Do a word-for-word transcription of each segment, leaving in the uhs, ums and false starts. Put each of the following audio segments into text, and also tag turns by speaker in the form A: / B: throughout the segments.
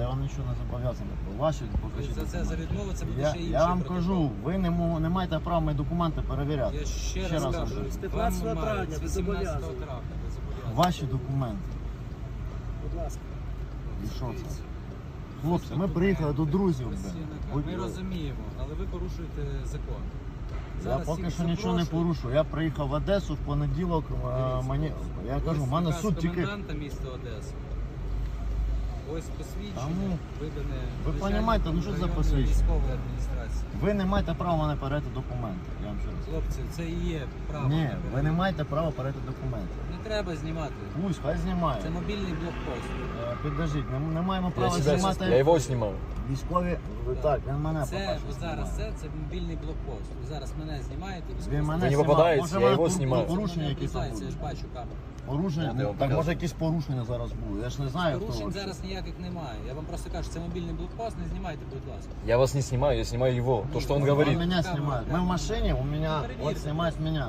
A: я вам нічого не зобов'язаний. Ваші покажіть
B: За це, за
A: документи.
B: відмову, це буде
A: Я,
B: ще інший
A: я вам
B: протокол.
A: кажу, ви не, мо- не маєте права мої документи перевіряти.
B: Я ще,
A: Ще
B: раз
A: раз
B: кажу,
A: кажу.
B: з
C: п'ятнадцятого травня ви
B: вісімнадцятого
C: зобов'язані.
B: травня ви зобов'язані.
A: Ваші документи.
C: Будь ласка.
A: І що це? Хлопці, ми приїхали до друзів.
B: Ось є
A: блін.
B: наказ.
A: Будь-
B: Ми розуміємо, але ви порушуєте закон.
A: Я
B: Зараз
A: поки
B: всіх
A: що нічого не
B: запрошую.
A: порушую. Я приїхав в Одесу в понеділок. е,
B: Дивіться,
A: Мені, я кажу, в мене
B: Ось
A: суд
B: наказ
A: тільки.
B: коменданта міста Одеси. Ось посвідчення,
A: Та ну,
B: видане
A: ви
B: начальником
A: понімаєте, ну що це за
B: районної
A: посвідчення?
B: військової адміністрації.
A: Ви не маєте права мене передати документи. Я вам ще раз.
B: Хлопці, це і є право.
A: Ні,
B: на
A: ви не
B: перевірку.
A: маєте права передати документи.
B: Не треба знімати.
A: Пусть, хай знімає.
B: Це мобільний блокпост.
A: Е, Підождіть, не, не маємо
D: Я,
A: права
D: себя,
A: знімати.
D: я его снимал.
A: Військові, ви так, він мене
B: Це
A: по-перше,
B: от зараз
A: знімає.
B: це, це мобільний блокпост. Ви зараз мене знімаєте.
A: Він мене
D: Ви не
A: знімав.
D: попадаєте,
A: Може,
D: я
A: мене
D: його
A: пор-
D: знімаю.
A: Порушення якісь там
B: Я ж
A: будуть.
B: бачу камеру.
A: Порушення?
D: От я
A: Ну,
D: вам
A: так
D: покажу.
A: може якісь порушення зараз будуть. Я ж не знаю, хто.
B: Порушень
A: вообще.
B: зараз ніяких немає. Я вам просто кажу, це мобільний блокпост, не знімайте, будь ласка.
D: Я вас не снимаю, я снимаю его. То, что он
A: Он
D: говорит.
A: меня
B: Камера,
A: снимает. Мы в
B: камера.
A: машине, у меня,
B: Ну,
A: вот
B: проверьте,
A: снимает меня.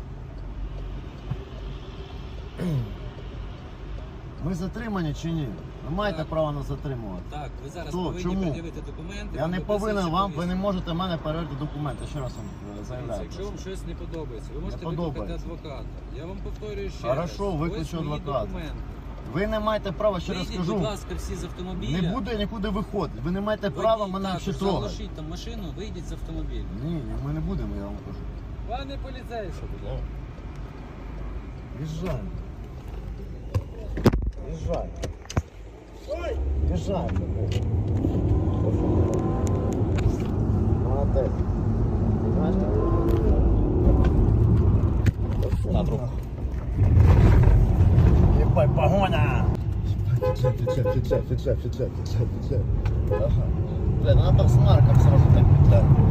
A: Ми затримані чи ні? Ви маєте
B: Так.
A: право нас затримувати.
B: Так, ви зараз
A: Хто?
B: повинні
A: Чому?
B: пред'явити документи.
A: Я
B: вам
A: не
B: виписується
A: повинен вам, ви не
B: повістка.
A: можете в мене перевірити документи. Ще раз вам е,
B: Дивіться,
A: заявляю.
B: якщо вам щось не подобається, ви можете
A: Не
B: викликати
A: подобається.
B: адвоката. Я вам повторюю ще
A: Хорошо,
B: раз.
A: викличу
B: Ось мої
A: адвоката.
B: документи.
A: Ви не маєте права, ще раз
B: Вийдіть,
A: кажу,
B: будь ласка, всі з автомобіля.
A: не буде нікуди виходити. Ви не маєте права
B: Водій
A: мене
B: також,
A: ще трогати.
B: залишіть там машину, вийдіть з автомобіля.
A: Ні, ні, ми не будемо, я вам кажу.
B: Пане поліцейський.
A: Їжджай. Їжджай. Їжджай. Молодець. Бачите?
D: На труп.
A: Ебать, погоня! Фиксай, фиксай, фиксай, фиксай, фиксай, фиксай, фиксай. Ага. Бля, надо с марком сразу так петлять.